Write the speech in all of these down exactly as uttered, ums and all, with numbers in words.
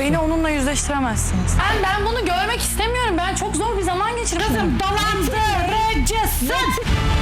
Beni onunla yüzleştiremezsiniz. Ben, ben bunu görmek istemiyorum. Ben çok zor bir zaman geçirdim. Kızım dolandırıcısın.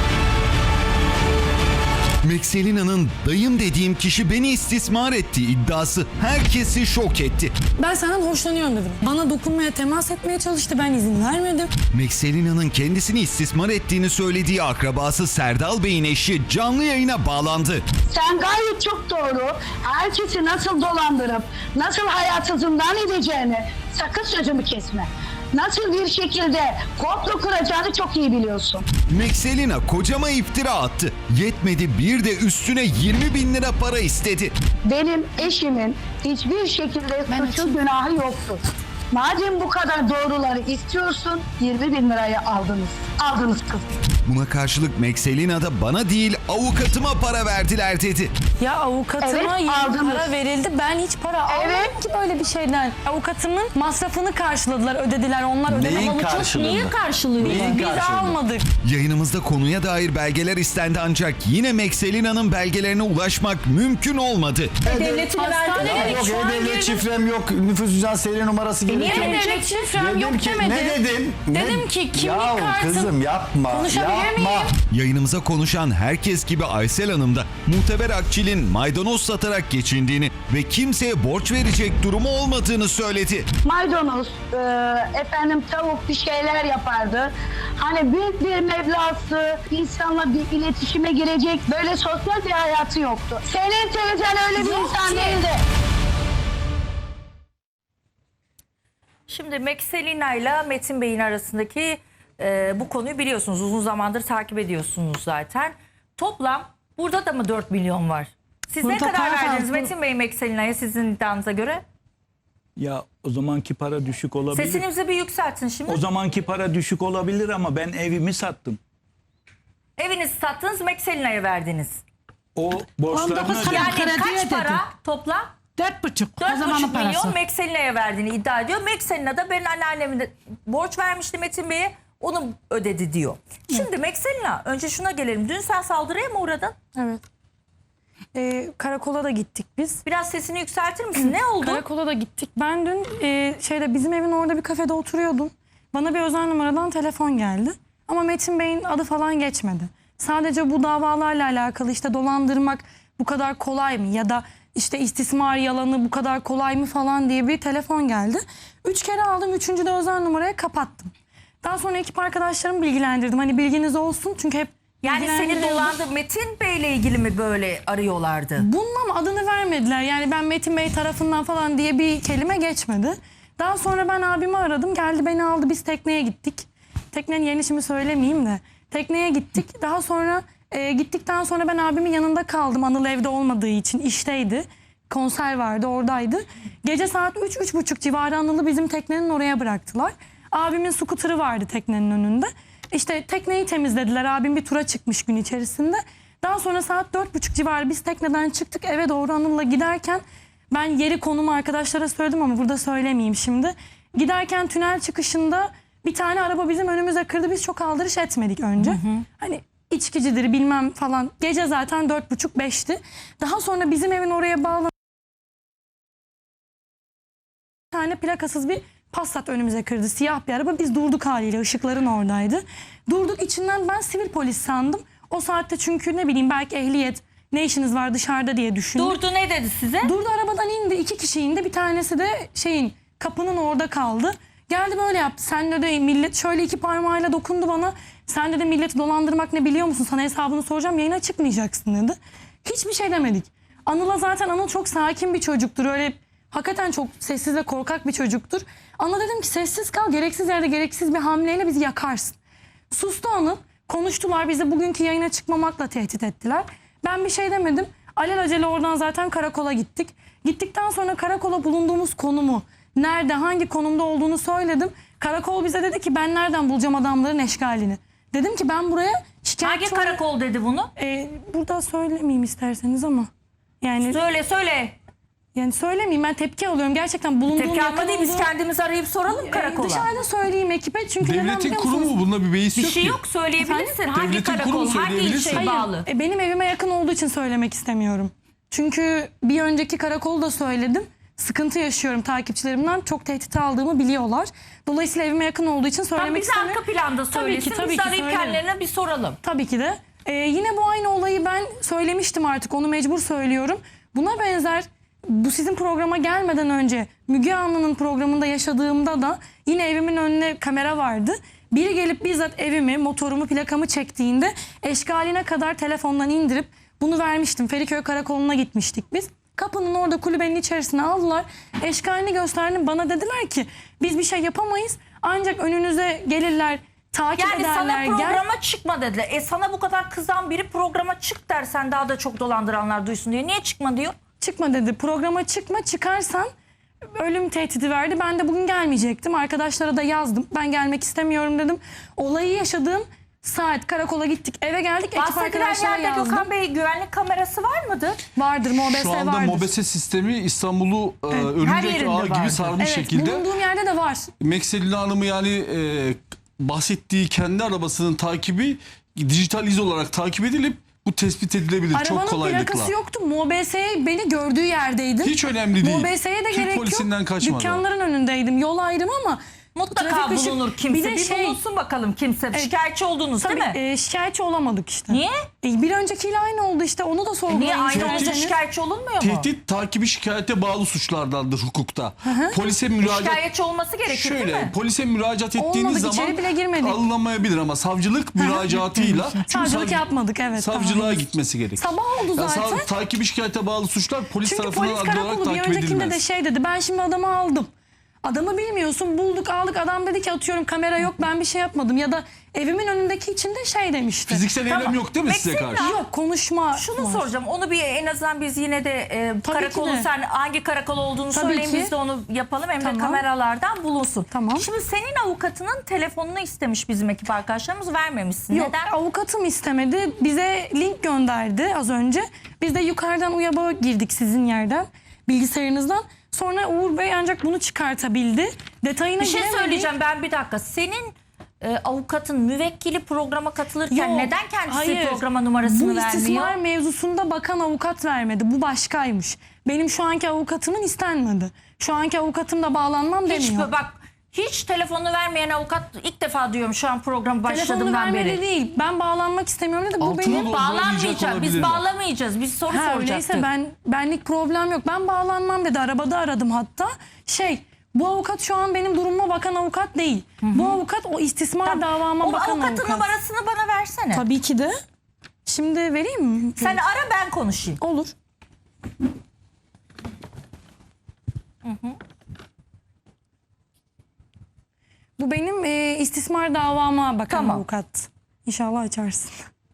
Mekselina'nın dayım dediğim kişi beni istismar etti iddiası herkesi şok etti. Ben senden hoşlanıyorum dedim. Bana dokunmaya, temas etmeye çalıştı. Ben izin vermedim. Mekselina'nın kendisini istismar ettiğini söylediği akrabası Serdal Bey'in eşi canlı yayına bağlandı. Sen gayet çok doğru. Herkesi nasıl dolandırıp nasıl hayatı zindan edeceğini sakın sözümü kesme. Nasıl bir şekilde komplo kuracağını çok iyi biliyorsun. Mekselina kocama iftira attı. Yetmedi bir de üstüne yirmi bin lira para istedi. Benim eşimin hiçbir şekilde suçu günahı yoktu. Madem bu kadar doğruları istiyorsun, yirmi bin lirayı aldınız. Aldınız kız. Buna karşılık Mekselina da bana değil avukatıma para verdiler dedi. Ya avukatıma Evet, yeni aldınız. para verildi. Ben hiç para Evet. almadım ki böyle bir şeyden. Avukatımın masrafını karşıladılar, ödediler. Onlar ödemedi. Neyin Ama bu çok karşılığında? niye karşılıyor? Neyin Biz karşılığında? almadık. Yayınımızda konuya dair belgeler istendi ancak yine Mekselina'nın belgelerine ulaşmak mümkün olmadı. Devletine Hastaneye verdiler. dedik, Yok şu an e-devlet girdim. şifrem yok, nüfus cüzdan seri numarası Niye gerekiyor. devlet şifrem Dedim yok ki, demedi? ne dedim? Dedim Ne- ki kimlik Yahu kartım. kızım yapma, Konuşabilir yapma. miyim? Yayınımıza konuşan herkes gibi Aysel Hanım da Muhteber Akçil'in maydanoz satarak geçindiğini ve kimseye borç verecek durumu olmadığını söyledi. Maydanoz, e, efendim tavuk bir şeyler yapardı. Hani büyük bir meblası, insanla bir iletişime girecek böyle sosyal bir hayatı yoktu. Senin teyzen öyle bir Yok insan ki. değildi. Şimdi Mekselina ile Metin Bey'in arasındaki e, bu konuyu biliyorsunuz. Uzun zamandır takip ediyorsunuz zaten. Toplam burada da mı dört milyon var? Siz ne Burada kadar para verdiniz fazla. Metin Bey Mekselina'ya sizin iddianıza göre? Ya o zamanki para düşük olabilir. Sesinizi bir yükseltin şimdi. O zamanki para düşük olabilir ama ben evimi sattım. Evinizi sattınız, Mekselina'ya verdiniz. O on borçlarını dokuz ödedim. Yani kredi kaç ödedik. para toplam? Dört buçuk. O dört zamanın buçuk parası. milyon Mekselina'ya verdiğini iddia ediyor. Mekselina da ben anneanneme de borç vermişti Metin Bey'e, onu ödedi diyor. Şimdi Mekselina, önce şuna gelelim. Dün sen saldırıya mı uğradın? Evet. Ee, karakola da gittik biz. Biraz sesini yükseltir misin? Ne oldu? Karakola da gittik. Ben dün e, şeyde bizim evin orada bir kafede oturuyordum. Bana bir özel numaradan telefon geldi. Ama Metin Bey'in adı falan geçmedi. Sadece bu davalarla alakalı işte dolandırmak bu kadar kolay mı? Ya da işte istismar yalanı bu kadar kolay mı falan diye bir telefon geldi. Üç kere aldım. Üçüncü de özel numaraya kapattım. Daha sonra ekip arkadaşlarımı bilgilendirdim. Hani bilginiz olsun çünkü hep Yani seni bilgilendiriyorum. dolandı. Metin Bey'le ilgili mi böyle arıyorlardı? Bundan adını vermediler. Yani ben Metin Bey tarafından falan diye bir kelime geçmedi. Daha sonra ben abimi aradım. Geldi beni aldı. Biz tekneye gittik. Teknenin yerini şimdi söylemeyeyim de. Tekneye gittik. Daha sonra e, gittikten sonra ben abimin yanında kaldım. Anıl evde olmadığı için işteydi. Konser vardı, oradaydı. Gece saat üç üç buçuk civarı Anıl'ı bizim teknenin oraya bıraktılar. Abimin scooter'ı vardı teknenin önünde. İşte tekneyi temizlediler. Abim bir tura çıkmış gün içerisinde. Daha sonra saat dört buçuk civarı biz tekneden çıktık. Eve doğru Anıl'la giderken ben yeri konumu arkadaşlara söyledim ama burada söylemeyeyim şimdi. Giderken tünel çıkışında bir tane araba bizim önümüze kırdı. Biz çok aldırış etmedik önce. Hı hı. Hani içkicidir bilmem falan. Gece zaten dört buçuk beşti. Daha sonra bizim evin oraya bağlanan bir tane plakasız bir Passat önümüze kırdı. Siyah bir araba. Biz durduk haliyle. Işıkların oradaydı. Durduk, içinden ben sivil polis sandım. O saatte çünkü ne bileyim belki ehliyet, ne işiniz var dışarıda diye düşündüm. Durdu, ne dedi size? Durdu, arabadan indi. İki kişi indi. Bir tanesi de şeyin kapının orada kaldı. Geldi böyle yaptı. Sen de millet şöyle iki parmağıyla dokundu bana. Sen de milleti dolandırmak ne biliyor musun? Sana hesabını soracağım. Yayına çıkmayacaksın dedi. Hiçbir şey demedik. Anıl'a zaten Anıl çok sakin bir çocuktur. Öyle hakikaten çok sessiz ve korkak bir çocuktur. Anıl'a dedim ki sessiz kal. Gereksiz yerde gereksiz bir hamleyle bizi yakarsın. Sustu Anıl. Konuştular. Bizi bugünkü yayına çıkmamakla tehdit ettiler. Ben bir şey demedim. Alelacele oradan zaten karakola gittik. Gittikten sonra karakola bulunduğumuz konumu, nerede, hangi konumda olduğunu söyledim. Karakol bize dedi ki ben nereden bulacağım adamların eşkalini. Dedim ki ben buraya şikayetçi Hangi olarak- karakol dedi bunu? Ee, burada söylemeyeyim isterseniz ama. Yani Söyle söyle. yani söylemeyeyim, ben tepki alıyorum. Gerçekten bulunduğum Tepki yakın alma değil, biz olduğu- kendimiz arayıp soralım Ee, karakola. Dışarıda söyleyeyim ekibe çünkü neden Devletin biliyor kurumu musunuz? bunda bir beis Bir yok şey ki. yok, söyleyebilirsin. Hangi Devletin karakol, kurumu hangi söyleyebilirsin. ilçeye Hayır, bağlı? e, benim evime yakın olduğu için söylemek istemiyorum. Çünkü bir önceki karakolu da söyledim. sıkıntı yaşıyorum takipçilerimden. Çok tehdit aldığımı biliyorlar. Dolayısıyla evime yakın olduğu için Tam söylemek bize istemiyorum. arka planda Tabii söylesin. ki, tabii Biz ki arayıp söylerim. kendilerine bir soralım. Tabii ki de. Ee, yine bu aynı olayı ben söylemiştim artık. Onu mecbur söylüyorum. Buna benzer bu sizin programa gelmeden önce Müge Anlı'nın programında yaşadığımda da yine evimin önüne kamera vardı. Biri gelip bizzat evimi, motorumu, plakamı çektiğinde eşkaline kadar telefondan indirip bunu vermiştim. Feriköy Karakolu'na gitmiştik biz. Kapının orada kulübenin içerisine aldılar. Eşkalini gösterdim. Bana dediler ki biz bir şey yapamayız. Ancak önünüze gelirler, takip Yani ederler. sana gel- programa çıkma dediler. E sana bu kadar kızan biri programa çık dersen daha da çok dolandıranlar duysun diye. Niye çıkma diyor? Çıkma dedi. Programa çıkma, çıkarsan ölüm tehdidi verdi. Ben de bugün gelmeyecektim. Arkadaşlara da yazdım. Ben gelmek istemiyorum dedim. Olayı yaşadığım saat karakola gittik. Eve geldik. Ekip Bahsedilen arkadaşlara yerde yazdım. Gökhan Bey güvenlik kamerası var mıdır? Vardır. MOBESE Şu anda vardır. MOBESE sistemi İstanbul'u e, her örümcek yerinde ağı vardır. gibi sarmış Evet, şekilde. bulunduğum yerde de var. Mekselina Hanım'ı yani e, bahsettiği kendi arabasının takibi dijital iz olarak takip edilip bu tespit edilebilir çok Arabanın kolaylıkla. plakası yoktu. MOBESE'ye beni gördüğü yerdeydim. Hiç önemli değil. MOBESE'ye de Türk gerek polisinden yok. kaçmadı. Dükkanların önündeydim. Yol ayrım ama Mutlaka trafik ışık- bulunur kimse. Bir Bir, de şey, bulunsun bakalım kimse. Şikayetçi oldunuz tabii, değil mi? e, şikayetçi olamadık işte. Niye? E, bir öncekiyle aynı oldu işte. Onu da sorgulayın. Niye aynı olunca isterseniz. şikayetçi olunmuyor mu? Tehdit takibi şikayete bağlı suçlardandır hukukta. Polise müracaat Şikayetçi olması gerekir değil Şöyle mi? polise müracaat ettiğiniz Olmadık, zaman içeri bile girmedik. alınamayabilir ama savcılık müracaatıyla çünkü Savcılık savcı- yapmadık, evet. savcılığa daha henüz. gitmesi gerekir. Sabah oldu Ya zaten. sav- takibi şikayete bağlı suçlar polis Çünkü tarafından polis adli olarak karakolu bir takip öncekinde edilmez. de şey dedi. Ben şimdi adamı aldım. Adamı bilmiyorsun, bulduk aldık, adam dedi ki atıyorum kamera yok, ben bir şey yapmadım. Ya da evimin önündeki için de şey demişti. Fiziksel eylem Tamam. yok değil mi size Mesela- karşı? Yok, konuşma Şunu var. soracağım. Onu bir en azından biz yine de e, Tabii karakolu ki de. sen hangi karakol olduğunu Tabii söyleyin ki. biz de onu yapalım hem de Tamam. kameralardan bulunsun. Tamam. Şimdi senin avukatının telefonunu istemiş bizim ekip arkadaşlarımız vermemişsin. Yok, Neden? avukatım istemedi. Bize link gönderdi az önce. Biz de yukarıdan UYAB'a girdik sizin yerden, bilgisayarınızdan. Sonra Uğur Bey ancak bunu çıkartabildi. Detayına Bir şey giremedik. söyleyeceğim ben bir dakika. Senin e, avukatın müvekkili programa katılırken Yok, neden kendisi hayır. programa numarasını Bu vermiyor? istismar mevzusunda bakan avukat vermedi. Bu başkaymış. Benim şu anki avukatımın istenmedi. Şu anki avukatım da bağlanmam Hiç demiyor. bak hiç telefonunu vermeyen avukat ilk defa diyorum şu an programı Telefonunu başladığımdan vermedi beri. değil. Ben bağlanmak istemiyorum dedi. Bu Altına benim... doğru- Bağlanmayacağız. Biz olabilirler. bağlamayacağız. Biz soru Ha, soracaktık. öyleyse ben benlik problem yok. Ben bağlanmam dedi. Arabada aradım hatta. Şey, bu avukat şu an benim durumuma bakan avukat değil. Bu avukat o istismar davama O bakan avukatın avukat. numarasını bana versene. Tabii ki de. Şimdi vereyim mi? Sen ara ben konuşayım. Olur. Bu benim e, istismar davama bakan Tamam. avukat. İnşallah açarsın.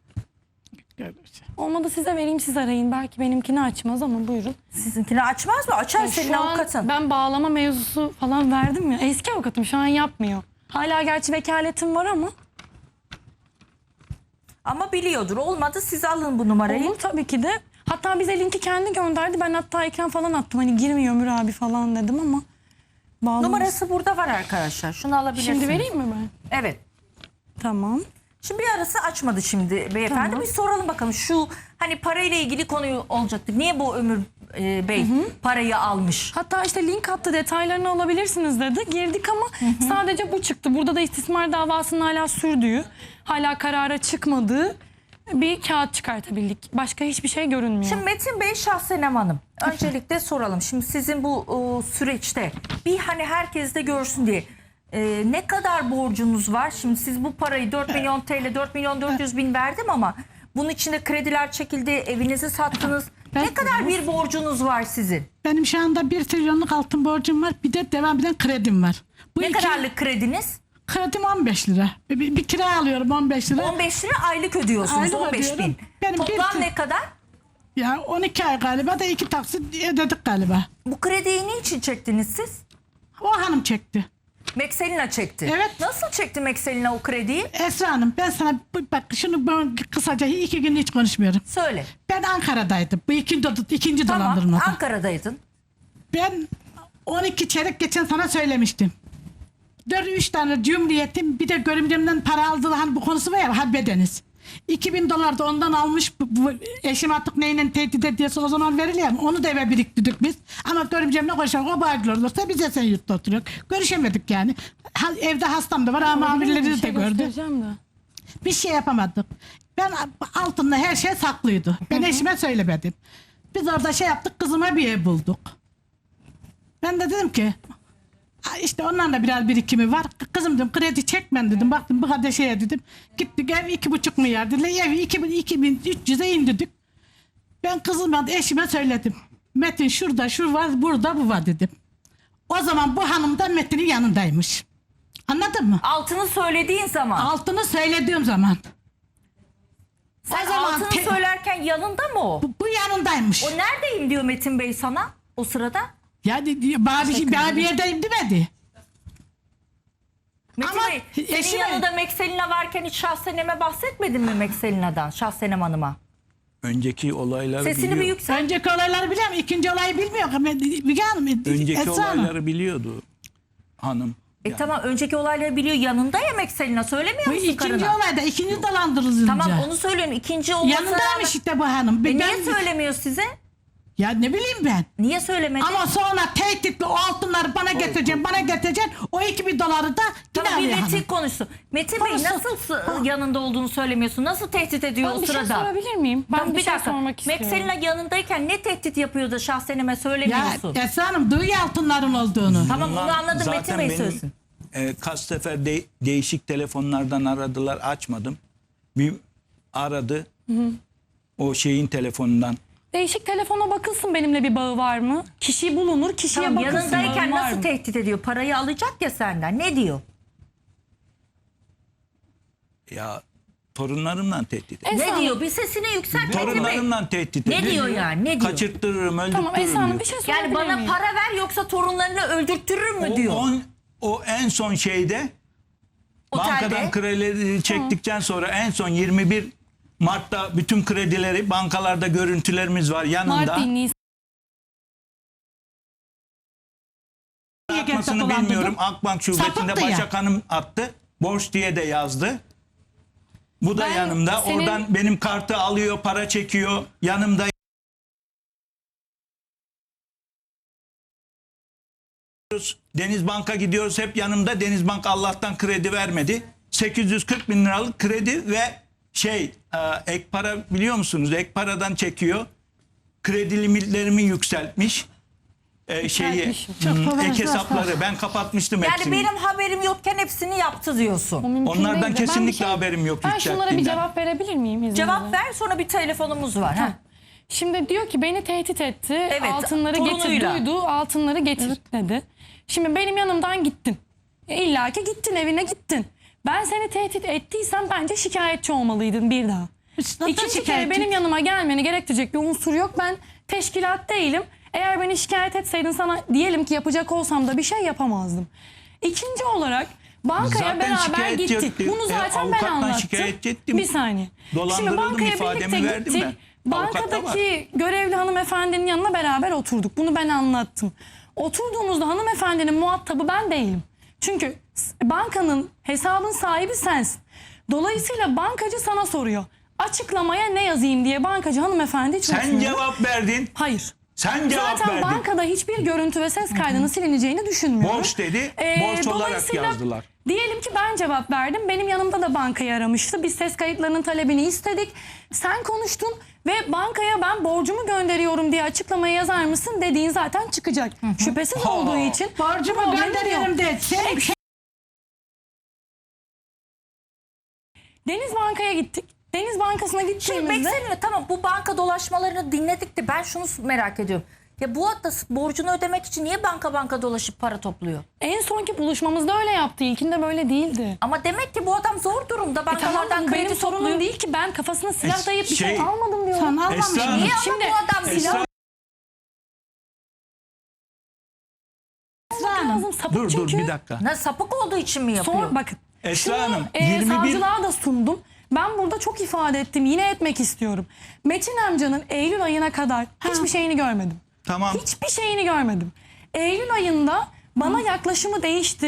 Olmadı size vereyim, siz arayın. Belki benimkini açmaz ama buyurun. Sizinkini açmaz mı? Açar senin Şu an avukatın. ben bağlama mevzusu falan verdim ya. Eski avukatım şu an yapmıyor. Hala gerçi vekaletim var ama. Ama biliyordur. Olmadı siz alın bu numarayı. Olur tabii ki de. Hatta bize linki kendi gönderdi. Ben hatta ekran falan attım. Hani girmiyor Ömür abi falan dedim ama. Bağlamış. Numarası burada var arkadaşlar. Şunu alabilirsiniz. Şimdi vereyim mi ben? Evet. Tamam. Şimdi bir arası açmadı şimdi beyefendi. Tamam. Bir soralım bakalım şu hani parayla ilgili konuyu olacaktı. Niye bu Ömür e, Bey parayı almış? Hatta işte link attı, detaylarını alabilirsiniz dedi. Girdik ama sadece bu çıktı. Burada da istismar davasının hala sürdüğü, hala karara çıkmadığı bir kağıt çıkartabildik. Başka hiçbir şey görünmüyor. Şimdi Metin Bey, Şahsenem Hanım. Öncelikle soralım. Şimdi sizin bu o, süreçte bir hani herkes de görsün diye e, ne kadar borcunuz var? Şimdi siz bu parayı dört milyon T L, dört milyon dört yüz bin verdim ama bunun içinde krediler çekildi, evinizi sattınız. Ne kadar bir borcunuz var sizin? Benim şu anda bir trilyonluk altın borcum var. Bir de devam eden kredim var. Bu Ne iki- kadarlık krediniz? Kredim on beş lira. Bir, bir, bir kira alıyorum on beş lira. on beş lira aylık ödüyorsunuz. Aylık on beş bin. ödüyorum. Benim Toplam bir- ne kadar? Ya on iki ay galiba da iki taksit ödedik galiba. Bu krediyi niçin çektiniz siz? O hanım çekti. Mekselina çekti. Evet. Nasıl çekti Mekselina o krediyi? Esra Hanım ben sana bu- bak şunu ben kısaca iki gün hiç konuşmuyorum. Söyle. Ben Ankara'daydım. Bu ikinci, ikinci Tamam. dolandırmada. Ankara'daydın. Ben on iki çeyrek geçen sana söylemiştim. dört üç tane cumhuriyetim bir de görümcemden para aldılar hani bu konusu var ya halbedeniz. iki bin dolar da ondan almış. Bu, bu eşim artık neyle tehdit ediyorsa o zaman veriliyor mu? Onu da eve biriktirdik biz. Ama görümcemle konuşalım. O bağırdılar olursa biz Esenyurt'ta oturuyoruz. Görüşemedik yani. Ha, evde hastam da var ama amirleri de Bir şey gördü. göstereceğim de. Bir şey yapamadık. Ben altında her şey saklıydı. Ben eşime söylemedim. Biz orada şey yaptık, kızıma bir ev bulduk. Ben de dedim ki "Ha, işte onlarla biraz birikimi var. Kızım dedim kredi çekmen dedim. Baktım bu kadar şeye dedim. Gittik ev iki buçuk milyar dediler. Evi iki bin, iki bin üç yüze indirdik. Ben kızıma eşime söyledim. Metin şurada şu var, burada bu var dedim. O zaman bu hanım da Metin'in yanındaymış. Anladın mı? Altını söylediğin zaman. Altını söylediğim zaman. Sen o zaman altını te- söylerken yanında mı o? Bu, bu yanındaymış. O neredeyim diyor Metin Bey sana o sırada? Yani bana bir, şey, bana bir yerdeyim demedi. Metin Ama Bey senin eşime- yanında Mekselina varken hiç Şahsenem'e bahsetmedin mi Mekselina'dan? Şahsenem Hanım'a. önceki olayları Sesini biliyor. bir yükselt. Önceki olayları biliyorum. İkinci olayı bilmiyorum. Müge Hanım. Önceki Esra Hanım. olayları biliyordu hanım. E Yani tamam önceki olayları biliyor yanında ya Mekselina söylemiyor Bu musun ikinci karına? olayda. ikinci dolandırıcı. Tamam onu söylüyorum ikinci olması Yanındaymış işte bu hanım. E Ben- niye söylemiyor size? Ya ne bileyim ben. Niye söylemedi? Ama sonra tehditli o altınları bana getireceğim, bana getireceksin. O iki bin doları da yine Tamam bir alıyor Metin hanım. konuşsun. Metin Bey Konuşsun. nasıl sı- yanında olduğunu söylemiyorsun? Nasıl tehdit ediyor Ben o bir şey sırada? sorabilir miyim? Ben Tamam, bir, şey dakika. sormak istiyorum. Mekselina yanındayken ne tehdit yapıyor da Şahsenem'e Ya söylemiyorsun? Esra Hanım duyuyor altınların olduğunu. Tamam bunlar onu anladım zaten Metin Bey benim, söylesin. E, kaç sefer de- değişik telefonlardan aradılar, açmadım. Bir aradı. O şeyin telefonundan. Değişik telefona bakılsın benimle bir bağı var mı? Kişi bulunur, kişiye Tamam, bakılsın. yanındayken bağım var nasıl mı? tehdit ediyor? Parayı alacak ya senden. Ne diyor? Ya torunlarımla tehdit ediyor. Esra Ne Hanım, diyor? Bir sesini yükselt Metin Bey. Torunlarımla tehdit Ne ediyor. diyor yani? Ne diyor? Kaçırttırırım, öldürtürürüm Tamam Esra Hanım diyor. bir şey sorabilir Yani bana miyim? para ver yoksa torunlarını öldürtürür mü O, diyor. on- o en son şeyde Otelde. bankadan kredileri çektikten sonra en son yirmi bir Mart'ta bütün kredileri bankalarda görüntülerimiz var yanında. Mart değil, Nisan. Atmasını dolandırdım. bilmiyorum. Akbank şubesinde Sapıttı ya. Başak Hanım attı. Borç diye de yazdı. Bu da Ben yanımda. senin- Oradan benim kartı alıyor, para çekiyor. Yanımda. Deniz Bank'a gidiyoruz. Hep yanımda. Deniz Bank Allah'tan kredi vermedi. sekiz yüz kırk bin liralık kredi ve şey e, ek para biliyor musunuz? Ek paradan çekiyor. Kredi limitlerimi yükseltmiş. E, şeyi Yükseltmiş. Çok hmm, kolay. ek hesapları ben kapatmıştım Yani hepsini. benim haberim yokken hepsini yaptı diyorsun. O mümkün Onlardan değil de. Ben bir kesinlikle şey- haberim yok Ben şunlara bir yükselttiğinden. cevap verebilir miyim izninizle? Cevap ver sonra bir telefonumuz var. Ha. Şimdi diyor ki beni tehdit etti. Evet, altınları getir, torunuyla. duydu. Altınları getir dedi. Şimdi benim yanımdan gittin. E, İlla ki gittin, evine gittin. Ben seni tehdit ettiysem bence şikayetçi olmalıydın bir daha. Zaten İkinci kere şikayetçi. benim yanıma gelmeni gerektirecek bir unsur yok. Ben teşkilat değilim. Eğer beni şikayet etseydin sana diyelim ki yapacak olsam da bir şey yapamazdım. İkinci olarak bankaya Zaten beraber şikayetçi gittik. ettim. Bunu E, zaten ben avukattan anlattım. şikayetçi ettim. Bir saniye. Şimdi Dolandırıldım, bankaya ifademi birlikte verdim gittik. ben. Avukat da Bankadaki görevli hanımefendinin yanına beraber oturduk. Bunu ben anlattım. Oturduğumuzda hanımefendinin muhatabı ben değilim. Çünkü s- bankanın hesabın sahibi sensin. Dolayısıyla bankacı sana soruyor. Açıklamaya ne yazayım diye bankacı hanımefendi hiç Sen uğraşmıyor. cevap verdin. Hayır. Sen cevap Zaten verdin. bankada hiçbir görüntü ve ses kaydının silineceğini düşünmüyorum. Borç dedi, Ee, borç olarak dolayısıyla yazdılar. Diyelim ki ben cevap verdim. Benim yanımda da bankayı aramıştı. Biz ses kayıtlarının talebini istedik. Sen konuştun ve bankaya ben borcumu gönderiyorum diye açıklamayı yazar mısın dediğin zaten çıkacak. Şüphesiz Ha. olduğu için. Borcumu problem gönderiyorum yok. de. Sen Deniz Banka'ya gittik. Deniz Bankası'na Şimdi gittiğimizde... Mekselina tamam bu banka dolaşmalarını dinledik de ben şunu merak ediyorum. Ya bu hatta borcunu ödemek için niye banka banka dolaşıp para topluyor? En sonki buluşmamızda öyle yaptı. İlkinde böyle değildi. Ama demek ki bu adam zor durumda. E tamam Bankalardan bu kredi benim sorunum topluyor. değil ki. Ben kafasına silah Es- dayayıp bir şey, şey- almadım diyorum. sen almamış. Esra Hanım. Niye ama Şimdi- bu adam silah Esra, Esra Hanım. Lazım, sapık dur dur çünkü. bir dakika. Ne, sapık olduğu için mi yapıyor? Son, bakın. Esra şunu, Hanım, e, yirmi bir savcılığa da sundum. Ben burada çok ifade ettim. Yine etmek istiyorum. Metin amcanın Eylül ayına kadar hiçbir şeyini görmedim. Tamam. Hiçbir şeyini görmedim. Eylül ayında bana yaklaşımı değişti.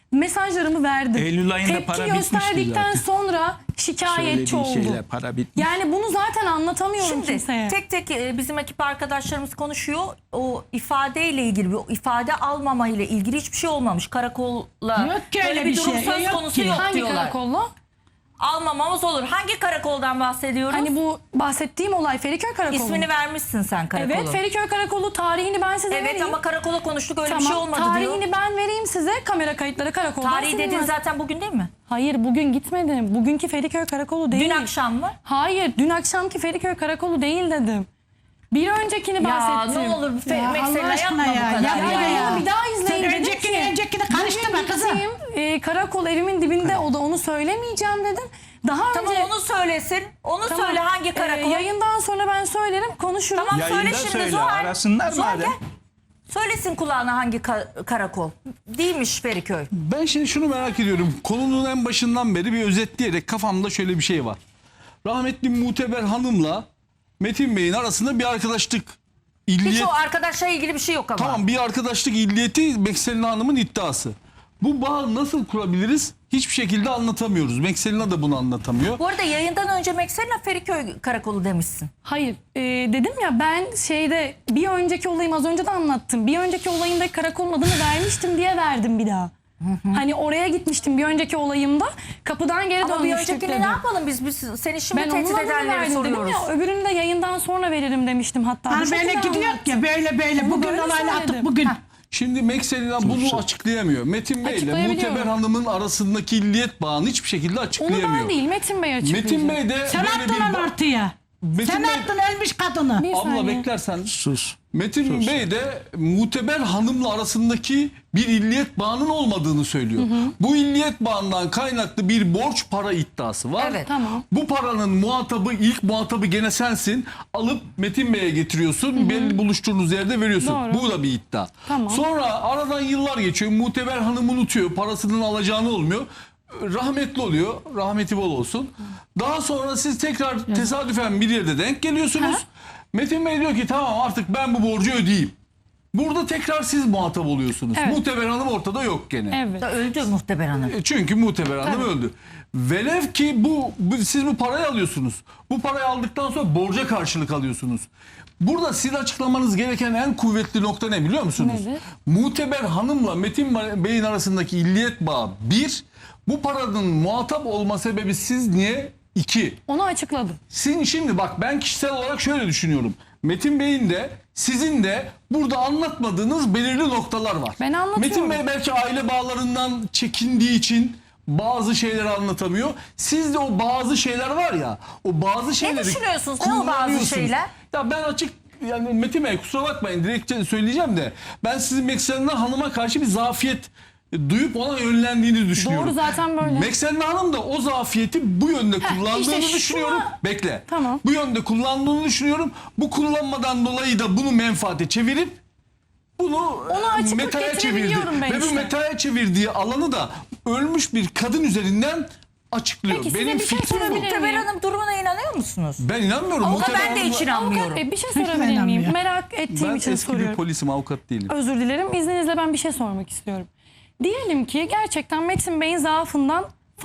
mesajlarımı verdim. Eylül ayında Tepki para bitmişti gösterdikten zaten. sonra şikayetçi Söylediği oldu. şeyler, para bitmiş. Yani bunu zaten anlatamıyorum Şimdi kimseye. tek tek e, bizim ekip arkadaşlarımız konuşuyor. O ifadeyle ilgili, o ifade almama ile ilgili hiçbir şey olmamış. Karakolla Yok ki böyle öyle bir bir durum şey, söz yok konusu ki. yok Hangi diyorlar. karakolla? Almamamız olur. Hangi karakoldan bahsediyoruz? Hani bu bahsettiğim olay Feriköy Karakolu. İsmini vermişsin sen karakolun. Evet, Feriköy Karakolu, tarihini ben size Evet vereyim. ama karakola konuştuk, öyle Tamam, bir şey olmadı tarihini diyor. ben vereyim size. Kamera kayıtları karakoldan Tarihi dediğin silinmez. zaten bugün değil mi? Hayır, bugün gitmedim. Bugünkü Feriköy Karakolu değil. Dün akşam mı? Hayır, dün akşamki Feriköy Karakolu değil dedim. Bir öncekini Ya bahsettim. ne olur Fe- Ya mesela Allah aşkına yapma ya, bu kadar. yapma Ya, ya. ya, bir daha izleyin Sen dedim öncekini ki, öncekini karıştırma bugün kızım. gittiğim, e, karakol evimin dibinde o da onu söylemeyeceğim dedim. Daha Tamam önce onu söylesin. Onu Tamam, söyle hangi e, karakol? yayından sonra ben söylerim, konuşuruz. Tamam Yayında söyle şimdi söyle, Zuhal. arasınlar Zuhal madem. gel. Söylesin kulağına hangi ka- karakol. Değilmiş Feriköy. Ben şimdi şunu merak ediyorum. Konunun en başından beri bir özetleyerek kafamda şöyle bir şey var. Rahmetli Muteber Hanım'la Metin Bey'in arasında bir arkadaşlık Hiç illiyet. o arkadaşla ilgili bir şey yok ama. Tamam, bir arkadaşlık illiyeti Mekselina Hanım'ın iddiası. Bu bağı nasıl kurabiliriz? Hiçbir şekilde anlatamıyoruz. Mekselina da bunu anlatamıyor. Bu arada yayından önce Mekselina Feriköy karakolu demişsin. Hayır, e, dedim ya ben şeyde bir önceki olayım az önce de anlattım. Bir önceki olayımda karakolun adını vermiştim diye verdim bir daha. Hani oraya gitmiştim bir önceki olayımda. Kapıdan geri Ama bir dönmüştük öncekini dedim. ne yapalım biz? biz seni şimdi Ben tehdit onun adını edenlere verdim dedim soruyoruz. ya. Öbürünü de yayından sonra veririm demiştim hatta. Bu Hani böyle şekilde gidiyor anlattım. ya böyle böyle. Onu Bugün böyle olayla attık söyledim. bugün. Şimdi Mekselina bunu açıklayamıyor. Metin Bey ile Açıklayabiliyorum. Muteber Hanım'ın arasındaki illiyet bağını hiçbir şekilde Onu açıklayamıyor. ben değil Metin Bey açıklayacak. Metin Bey de Sen böyle attın bir... onu ortaya. Metin Sen Bey- attın ölmüş kadını. Bir Abla saniye. beklersen. Sus. Metin Bey de Muteber Hanım'la arasındaki bir illiyet bağının olmadığını söylüyor. Bu illiyet bağından kaynaklı bir borç para iddiası var. Evet. Tamam. Bu paranın muhatabı, ilk muhatabı gene sensin. Alıp Metin Bey'e getiriyorsun. Belli buluştuğunuz yerde veriyorsun. Doğru. Bu da bir iddia. Tamam. Sonra aradan yıllar geçiyor. Muteber Hanım unutuyor. Parasının alacağını olmuyor. Rahmetli oluyor. Rahmeti bol olsun. Daha sonra siz tekrar tesadüfen bir yerde denk geliyorsunuz. Metin Bey diyor ki tamam artık ben bu borcu ödeyeyim. Burada tekrar siz muhatap oluyorsunuz. Evet. Muteber Hanım ortada yok gene. Evet. Da öldü Muhteber Hanım. E, Çünkü Muteber Hanım Tabii. öldü. Velev ki bu, bu siz bu parayı alıyorsunuz. Bu parayı aldıktan sonra borca karşılık alıyorsunuz. Burada sizin açıklamanız gereken en kuvvetli nokta ne biliyor musunuz? Nedir? Muteber Hanım'la Metin Bey'in arasındaki illiyet bağı bir. Bu paranın muhatap olma sebebi siz niye? İki. Onu açıkladım. Sizin şimdi bak ben kişisel olarak şöyle düşünüyorum. Metin Bey'in de sizin de burada anlatmadığınız belirli noktalar var. Ben anlatıyorum. Metin Bey belki aile bağlarından çekindiği için bazı şeyleri anlatamıyor. Sizde o bazı şeyler var ya, o bazı şeyleri düşünüyorsunuz? Ne o bazı kullanıyorsunuz. şeyler? Ya ben açık yani Metin Bey kusura bakmayın direkt söyleyeceğim de ben sizin Mekselina Hanım'a karşı bir zafiyet duyup ona yönlendiğini düşünüyorum. Doğru, zaten böyle. Mekselina Hanım da o zafiyeti bu yönde kullandığını işte şuna- düşünüyorum. Bekle. Tamam. Bu yönde kullandığını düşünüyorum. Bu kullanmadan dolayı da bunu menfaate çevirip bunu Onu e, açıklık metaya çevirdi. getirebiliyorum ben Ve bu işte. metaya çevirdiği alanı da ölmüş bir kadın üzerinden açıklıyor. Peki size Benim bir şey fikrim bu. sorabilir miyim? Muhteber Hanım durumuna inanıyor musunuz? Ben inanmıyorum. Ama Muhteber ben de Hanım'la- hiç inanmıyorum. Avukat Bey bir şey Hiç sorabilir miyim? inanmıyor. Merak ettiğim Ben için eski bir soruyorum. polisim, avukat değilim. Özür dilerim. İzninizle ben bir şey sormak istiyorum. Diyelim ki gerçekten Metin Bey'in zaafından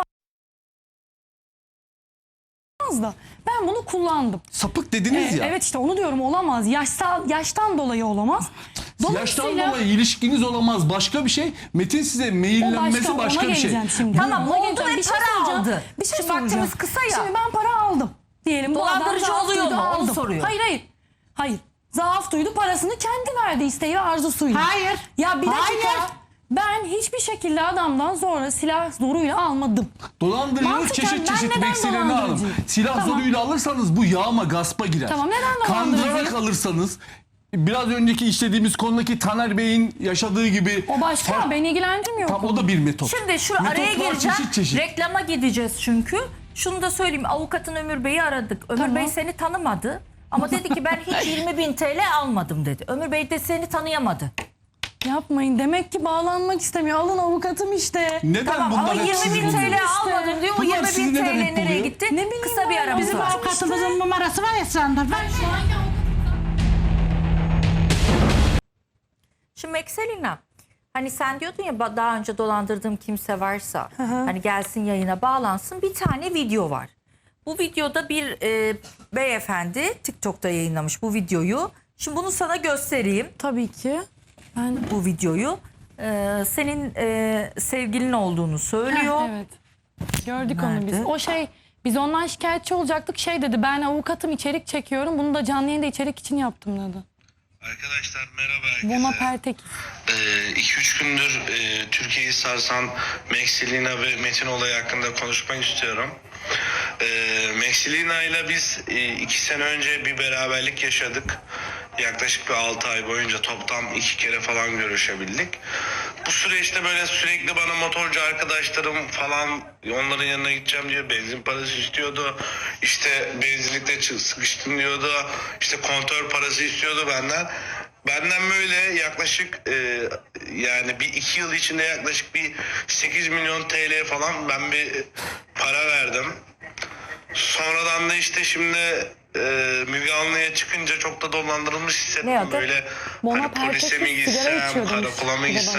fazla. Ben bunu kullandım. Sapık dediniz Ee, ya. Evet işte onu diyorum, olamaz. Yaşsal, yaştan dolayı olamaz. Yaştan Dolayısıyla- dolayı ilişkiniz olamaz. Başka bir şey. Metin size O maillenmesi ona başka bir şey. geleceğim Şimdi. Tamam, Ona oldu geleceğim. ve Bir şey para soracağım. aldı. Bir şey Şimdi soracağım. vaktimiz kısa ya. Şimdi ben para aldım. Diyelim bu adam Dolandırıcı zaaf oluyor duydu, mu? Onu aldım. soruyor. Hayır hayır. Hayır. Zaaf duydu, parasını kendi verdi isteği ve arzusuyla. Hayır. Ya bir dakika. Hayır. Ben hiçbir şekilde adamdan sonra silah zoruyla almadım. Dolandırıcılık Mantıken çeşit ben çeşit neden Mekselina Hanım. dolandırıcıyım? Silah Tamam. zoruyla alırsanız bu yağma gaspa girer. Tamam, neden dolandırıcıyım? Kandırarak alırsanız biraz önceki işlediğimiz konudaki Taner Bey'in yaşadığı gibi. O başka, Fa- beni ilgilendirmiyor. Tam o da bir metot. Şimdi şu Metotlar araya gireceğim. çeşit çeşit. Reklama gideceğiz çünkü. Şunu da söyleyeyim. Avukatın Ömür Bey'i aradık. Ömür Tamam. Bey seni tanımadı. Ama dedi ki ben hiç yirmi bin T L almadım dedi. Ömür Bey de seni tanıyamadı. Yapmayın. Demek ki bağlanmak istemiyor. Alın avukatım işte. Neden Tamam bunlar ama hep yirmi sizin bin T L oluyor? almadım diyor. O Bunlar yirmi sizin bin T neden L hep nereye oluyor? gitti? Ne bileyim Kısa bir ben, aramız Bizim var. avukatımızın numarası var Esra'nda. Ben Şimdi Mekselina, Hani sen diyordun ya ba- daha önce dolandırdığım kimse varsa hani gelsin yayına bağlansın. Bir tane video var. Bu videoda bir e, beyefendi TikTok'ta yayınlamış bu videoyu. Şimdi bunu sana göstereyim. Tabii ki. Ben Bu videoyu. E, senin e, sevgilin olduğunu söylüyor. Heh, evet. Gördük onu Nerede? biz. O şey biz ondan şikayetçi olacaktık. Şey dedi, ben avukatım, içerik çekiyorum. Bunu da canlı yayında içerik için yaptım dedi. Arkadaşlar merhaba herkese. Bona Pertek. iki üç gündür e, Türkiye'yi sarsan Maxilina ve Metin olayı hakkında konuşmak istiyorum. E, Maxilina ile biz iki sene önce bir beraberlik yaşadık. Yaklaşık bir altı ay boyunca toplam iki kere falan görüşebildik. Bu süreçte böyle sürekli bana motorcu arkadaşlarım falan onların yanına gideceğim diyor. Benzin parası istiyordu. İşte benzinlikte çı- sıkıştım diyordu. İşte kontör parası istiyordu benden. Benden böyle yaklaşık e, yani bir iki yıl içinde yaklaşık bir sekiz milyon T L falan ben bir para verdim. Sonradan da işte şimdi e, Müge Anlı'ya çıkınca çok da dolandırılmış Ne hissettim. adı? Böyle Bona hani polise mi Pertek'in sigara gitsem, içiyor demiş. karakola mı Bir de gitsem.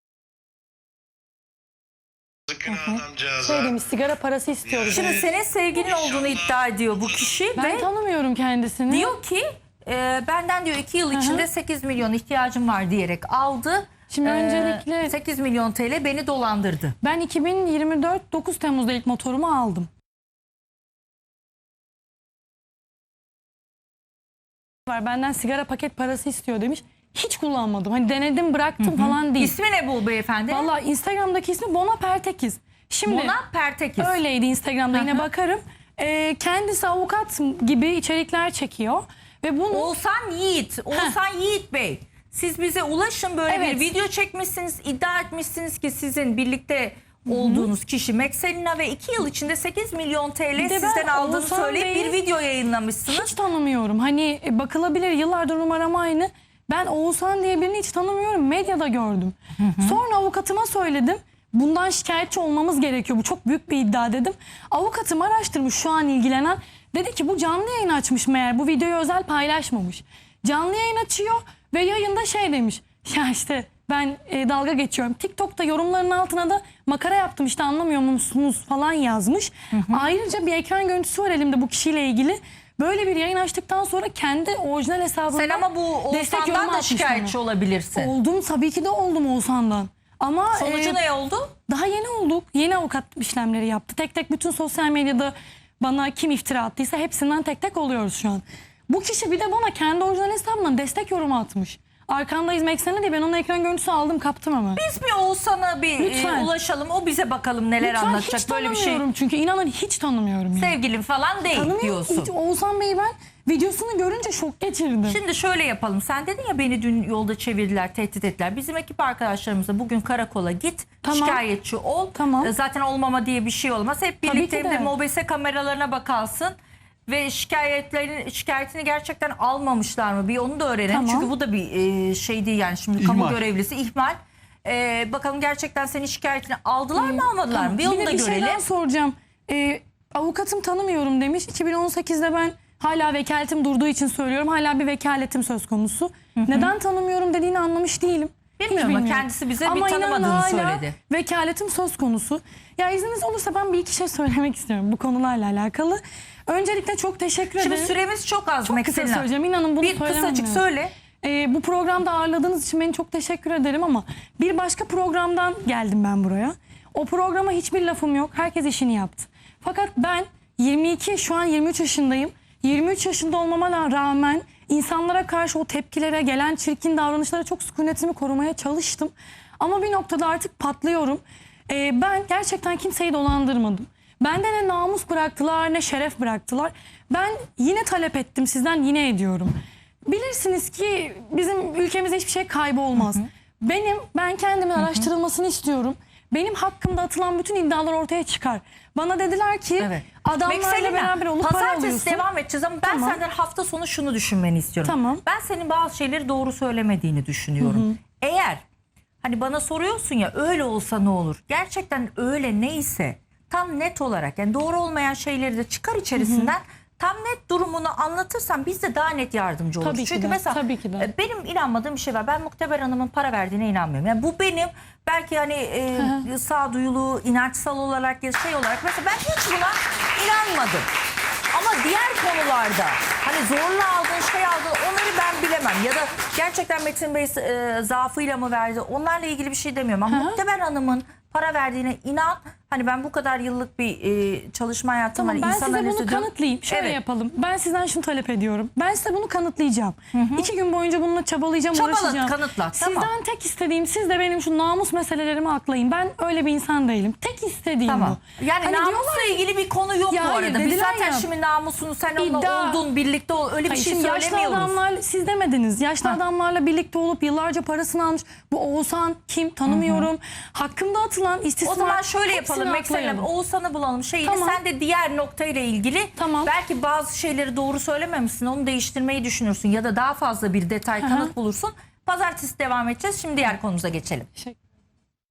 Günah adamcağıza. Şey demiş, sigara parası istiyoruz. Şimdi senin sevgilin olduğunu iddia ediyor bu kişi Ben ve tanımıyorum kendisini. diyor ki e, benden diyor iki yıl içinde sekiz milyon ihtiyacım var diyerek aldı. Şimdi E, öncelikle- sekiz milyon T L beni dolandırdı. Ben iki bin yirmi dört dokuz Temmuz'da ilk motorumu aldım. Var, benden sigara paket parası istiyor demiş. Hiç kullanmadım. Hani denedim, bıraktım falan değil. İsmi ne bu beyefendi? Vallahi Instagram'daki ismi Bona Pertekiz. Şimdi Bona Pertekiz. öyleydi Instagram'da, yine bakarım. Ee, kendisi avukat gibi içerikler çekiyor ve bunu Oğuzhan Yiğit. Oğuzhan Yiğit Bey. Siz bize ulaşın, böyle Evet. bir video çekmişsiniz. İddia etmişsiniz ki sizin birlikte olduğunuz kişi Maxelina ve iki yıl içinde sekiz milyon T L Bir de ben sizden aldığını Oğuzhan söyleyip Bey'i bir video yayınlamışsınız. hiç tanımıyorum. Hani e, bakılabilir, yıllardır numaram aynı. Ben Oğuzhan diye birini hiç tanımıyorum. Medyada gördüm. Sonra avukatıma söyledim. Bundan şikayetçi olmamız gerekiyor. Bu çok büyük bir iddia dedim. Avukatım araştırmış, şu an ilgilenen. Dedi ki bu canlı yayın açmış meğer. Bu videoyu özel paylaşmamış. Canlı yayın açıyor ve yayında şey demiş. Ya işte ben e, dalga geçiyorum. TikTok'ta yorumların altına da makara yaptım işte, anlamıyor musunuz falan yazmış. Ayrıca bir ekran görüntüsü var elimde bu kişiyle ilgili. Böyle bir yayın açtıktan sonra kendi orijinal hesabından Sen ama bu destek yorumu Oğuzhan'dan da atmış şikayetçi bana. olabilirsin. Oldum, tabii ki de oldum Oğuzhan'dan. Ama Sonucu e, ne oldu? daha yeni olduk. Yeni avukat işlemleri yaptı. Tek tek bütün sosyal medyada bana kim iftira attıysa hepsinden tek tek oluyoruz şu an. Bu kişi bir de bana kendi orijinal hesabından destek yorumu atmış. Arkandayız Meksene diye ben onun ekran görüntüsü aldım, kaptım ama. Biz bir Oğuzhan'a bir Lütfen. e, ulaşalım. O bize bakalım neler Lütfen, anlatacak. hiç Böyle bir şey tanımıyorum çünkü inanın hiç tanımıyorum. Yani. sevgilin falan değil Tanımıyorum diyorsun. hiç. Oğuzhan Bey'i ben videosunu görünce şok geçirdim. Şimdi şöyle yapalım. Sen dedin ya beni dün yolda çevirdiler, tehdit ettiler. Bizim ekip arkadaşlarımızla bugün karakola git, Tamam. şikayetçi ol. Tamam. E, Zaten olmama diye bir şey olmaz. Hep Tabii birlikte ki hem de de. mobese kameralarına bakarsın. Ve şikayetlerin şikayetini gerçekten almamışlar mı? Bir onu da öğrenelim. Tamam. Çünkü bu da bir e, şey değil yani. Şimdi kamu İhmal. görevlisi ihmal. E, bakalım gerçekten senin şikayetini aldılar mı almadılar mı? Bir onu Bir da de bir şey görelim. daha soracağım. Ee, avukatım tanımıyorum demiş. iki bin on sekizde ben hala vekaletim durduğu için söylüyorum. Hala bir vekaletim söz konusu. Neden tanımıyorum dediğini anlamış değilim. Hiç Bilmiyorum ama bilmiyorum. kendisi bize bir Ama inanın tanımadığını hala söyledi. vekaletim söz konusu. Ya izniniz olursa ben bir iki şey söylemek istiyorum bu konularla alakalı. Öncelikle çok teşekkür Şimdi ederim. süremiz çok az. Çok kısa Maxelina. söyleyeceğim. İnanın bunu Bir söylemem kısacık lazım. söyle. Ee, bu programda ağırladığınız için beni çok teşekkür ederim ama bir başka programdan geldim ben buraya. O programa hiçbir lafım yok. Herkes işini yaptı. Fakat ben yirmi iki, şu an yirmi üç yaşındayım. yirmi üç yaşında olmama rağmen insanlara karşı o tepkilere, gelen çirkin davranışlara çok sükunetimi korumaya çalıştım. Ama bir noktada artık patlıyorum. Ee, ben gerçekten kimseyi dolandırmadım. Bende ne namus bıraktılar ne şeref bıraktılar. Ben yine talep ettim, sizden yine ediyorum. Bilirsiniz ki bizim ülkemizde hiçbir şey kaybı olmaz. Benim, ben kendimin araştırılmasını istiyorum. Benim hakkımda atılan bütün iddialar ortaya çıkar. Bana dediler ki Evet. adamlarla Maxelina, beraber olup para pazartesi alıyorsun. devam edeceğiz ama ben Tamam. senden hafta sonu şunu düşünmeni istiyorum. Tamam. Ben senin bazı şeyleri doğru söylemediğini düşünüyorum. Eğer hani bana soruyorsun ya öyle olsa ne olur? Gerçekten öyle neyse tam net olarak yani doğru olmayan şeyleri de çıkar içerisinden tam net durumunu anlatırsan biz de daha net yardımcı oluruz. Tabii ki Çünkü de, mesela tabii ki de. e, benim inanmadığım bir şey var. Ben Muhteber Hanım'ın para verdiğine inanmıyorum. Yani bu benim belki hani e, sağduyulu, inançsal olarak ya şey olarak mesela ben hiç buna inanmadım. Ama diğer konularda hani zorla aldığın şey aldığın onları ben bilemem. Ya da gerçekten Metin Bey e, zaafıyla mı verdi onlarla ilgili bir şey demiyorum. Ama Muhteber Hanım'ın para verdiğine inan. Hani ben bu kadar yıllık bir e, çalışma hayatım Tamam, var. ben İnsan size bunu analizi diyorum. kanıtlayayım. Şöyle Evet. yapalım. Ben sizden şunu talep ediyorum. Ben size bunu kanıtlayacağım. İki gün boyunca bununla çabalayacağım, Çabalat, uğraşacağım. kanıtla, Sizden tamam. tek istediğim, siz de benim şu namus meselelerimi aklayın. Ben öyle bir insan değilim. Tek istediğim Tamam. bu. Yani Hani namusla diyorlar- ilgili bir konu yok Ya bu hayır, arada. Biz dediler zaten ya, şimdi namusunu sen onunla iddia- oldun, birlikte ol. Öyle bir Hayır, şey şimdi yaşlı söylemiyoruz. adamlar, siz demediniz. Yaşlı adamlarla birlikte olup yıllarca parasını almış. Bu Oğuzhan kim tanımıyorum. Hakkımda atılan istismar. O zaman şöyle yapalım. hepsini Mesela aklayalım. Oğuzhan'ı bulalım şeyini. Tamam. Sen de diğer noktayla ilgili Tamam. belki bazı şeyleri doğru söylememişsin. Onu değiştirmeyi düşünürsün. Ya da daha fazla bir detay kanıt bulursun. Pazartesi devam edeceğiz. Şimdi diğer konumuza geçelim. Teşekkür